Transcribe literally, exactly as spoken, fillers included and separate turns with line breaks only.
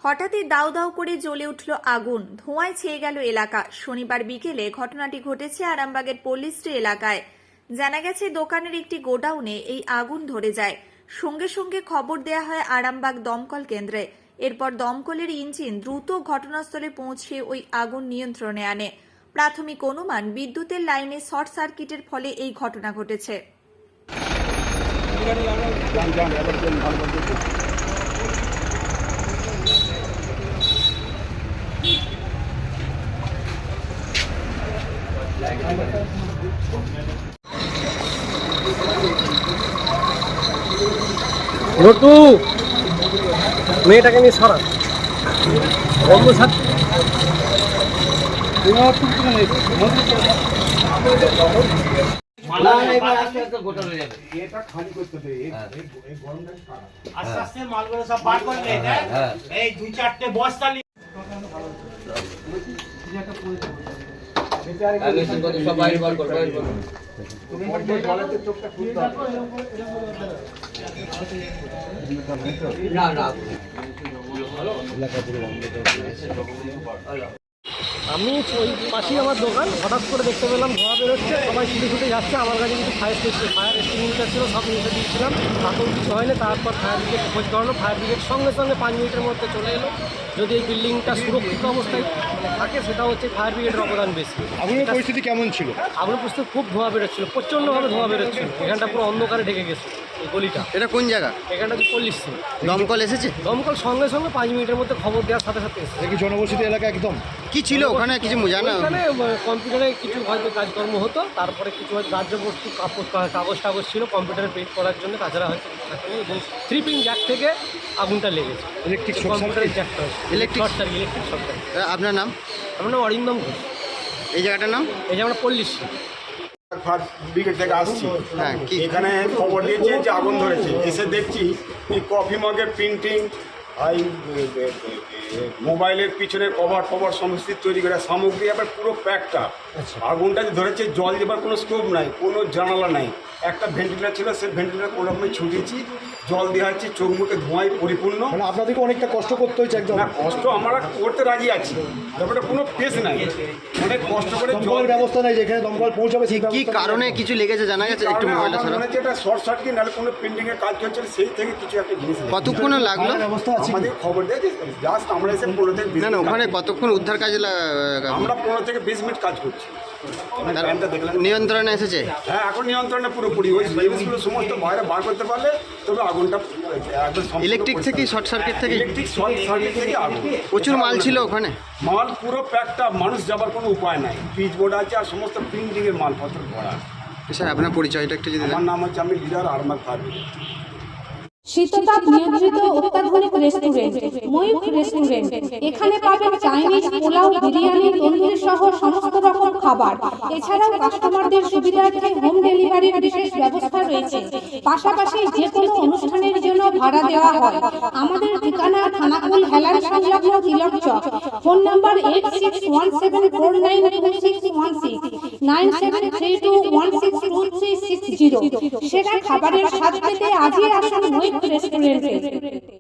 হঠাৎই দাউ দাউ করে জ্বলে উঠল আগুন, ধোঁয়ায় ছেয়ে গেল এলাকা। শনিবার বিকেলে ঘটনাটি ঘটেছে আরামবাগের পল্লীশ্রী এলাকায়। জানা গেছে দোকানের একটি গোডাউনে এই আগুন ধরে যায়। সঙ্গে সঙ্গে খবর দেয়া হয় আরামবাগ দমকল কেন্দ্রে। এরপর দমকলের ইঞ্জিন দ্রুত ঘটনাস্থলে পৌঁছে ওই আগুন নিয়ন্ত্রণে আনে। প্রাথমিক অনুমান বিদ্যুতের লাইনে শর্ট সার্কিটের ফলে এই ঘটনা ঘটেছে।
রটু মেয়েটাকে নিয়ে সরা বন্ধ ছাড়।
আস্তে আস্তে মালগুলো সব বার করে নে, এই দুই চারটে বস্তা নি
সব বাইরে বার কর বাইরে কর না না
আমি ওই পাশেই আমার দোকান, হঠাৎ করে দেখতে পেলাম ধোঁয়া বেরোচ্ছে, সবাই ছুটে ছুটে যাচ্ছে। আমার কাছে কিন্তু ফায়ার স্টেশন ফায়ার এক্সটিংগুইশার ছিল, সব নিতে দিয়েছিলাম, তাতেও কিছু হয়নি। তারপর ফায়ার ব্রিগেড খোঁজ করালো, ফায়ার ব্রিগেড সঙ্গে সঙ্গে পাঁচ মিনিটের মধ্যে চলে এলো। যদি এই বিল্ডিংটা সুরক্ষিত অবস্থায় থাকে সেটা হচ্ছে ফায়ার ব্রিগেডের অবদান বেশি।
আগুনের পরিস্থিতি কেমন ছিল?
আগুনের পরিস্থিতি খুব ধোঁয়া বেরোচ্ছিল, প্রচণ্ডভাবে ধোঁয়া বেরোচ্ছিল। এখানটা পুরো অন্ধকারে ঢেকে গেছে এই গলিটা।
এটা কোন জায়গা?
এখানটা তো পল্লীশ্রী।
দমকল এসেছে?
দমকল সঙ্গে সঙ্গে পাঁচ মিনিটের মধ্যে খবর দেওয়ার সাথে সাথে এসেছে।
কি জনবসতি এলাকা একদম? কি ছিল ওখানে কিছু জানা?
ওখানে কম্পিউটারে কিছু হয়তো কাজকর্ম হতো, তারপরে কিছু হয়তো রাজ্য বস্তু কাগজ কাগজ টাগজ ছিল কম্পিউটারে পেইন্ট করার জন্য, তাছাড়া হয়তো এবং থ্রি পিন জ্যাক থেকে আগুনটা লেগেছে।
ইলেকট্রিক
কম্পিউটারের জ্যাকটা
electric
short circuit electric short circuit.
আপনার নাম?
আমার নাম অরিন্দম ঘোষ।
এই জায়গাটার নাম?
এই যে আমরা পল্লীশ্রী
ফায়ার ব্রিগেড থেকে আসছি।
হ্যাঁ, কি
এখানে খবর দিয়েছে যে আগুন ধরেছে। এসে দেখছি এই কফি মগের প্রিন্টিং, এই মোবাইলের পিছনে কভার ফভার সমস্ত তৈরি করা সামগ্রী, আবার পুরো প্যাকটা। আগুনটা যে ধরেছে, জল দেবার কোনো স্কোপ নাই, কোনো জানালা নাই। একটা ভেন্টিলেটার ছিল, সেই ভেন্টিলেটার কোনো রকমে ছুটিয়েছি, জল দেওয়া হচ্ছে, চোখ মুখে ধোঁয়ায় পরিপূর্ণ।
মানে আপনাদেরকে অনেকটা কষ্ট করতে হয়েছে একদম?
না, কষ্ট আমরা করতে রাজি আছি, ব্যাপারটা কোনো পেস নাই, অনেক কষ্ট করে
জলের ব্যবস্থা নেই যেখানে দমকল পৌঁছাবে।
কি কারণে কিছু লেগেছে জানা গেছে? একটু মোবাইলটা ছাড়া।
মনে হচ্ছে এটা শর্ট সার্কিট, নাহলে কোনো প্রিন্টিং এর কাজ চলছে, সেই থেকে কিছু একটা জিনিস লেগেছে।
কতক্ষণ লাগলো?
ব্যবস্থা আছে?
আমাদের খবর দিয়েছে, জাস্ট আমরা এসে পনেরো থেকে বিশ
না না
মিনিট
ওখানে
কাজ-
কতক্ষণ উদ্ধার কাজে লা-
আমরা পনেরো থেকে বিশ মিনিট কাজ করছি।
তার
টাইমটা দেখলাম।
নিয়ন্ত্রণে এসেছে?
হ্যাঁ, এখন নিয়ন্ত্রণে পুরোপুরি। ওই জিনিসগুলো সমস্ত বাইরে বার করতে পারলে তবে আগুনটা একদম সম্পূর্ণ
ইলেকট্রিক
পরিষ্কার।
থেকে শর্ট সার্কিট থেকে
ইলেকট্রিক শর্ট সার্কিট থেকে আগুন।
প্রচুর মাল ছিল ওখানে?
মাল পুরো প্যাকটা, মানুষ যাবার কোনো উপায় নাই। পিচ বোর্ড আছে আর সমস্ত প্রিন্টিং এর মালপত্র ভরা।
স্যার আপনার পরিচয়টা একটু যদি দেন।
আমার নাম হচ্ছে, আমি লিডার আরামবাগ ফায়ার ব্রিগেড।
শীততাপ নিয়ন্ত্রিত অত্যাধুনিক রেস্টুরেন্ট ময়ূখ রেস্টুরেন্ট। এখানে পাবেন চাইনিজ, পোলাও, বিরিয়ানি, তন্দুরি সহ সমস্ত রকম খাবার। এছাড়াও কাস্টমারদের সুবিধার্থে হোম ডেলিভারির বিশেষ ব্যবস্থা রয়েছে। পাশাপাশি যে কোনো অনুষ্ঠানের জন্য ভাড়া দেওয়া হয়। আমাদের ঠিকানা থানাকুল হেলান সংলগ্ন Tilak Chak. Phone number eight six one seven four nine two six one six, nine seven three two one six two three six zero. সেরা খাবারের স্বাদ পেতে আজই আসুন ময়ূখ রেস্টুরেন্টে।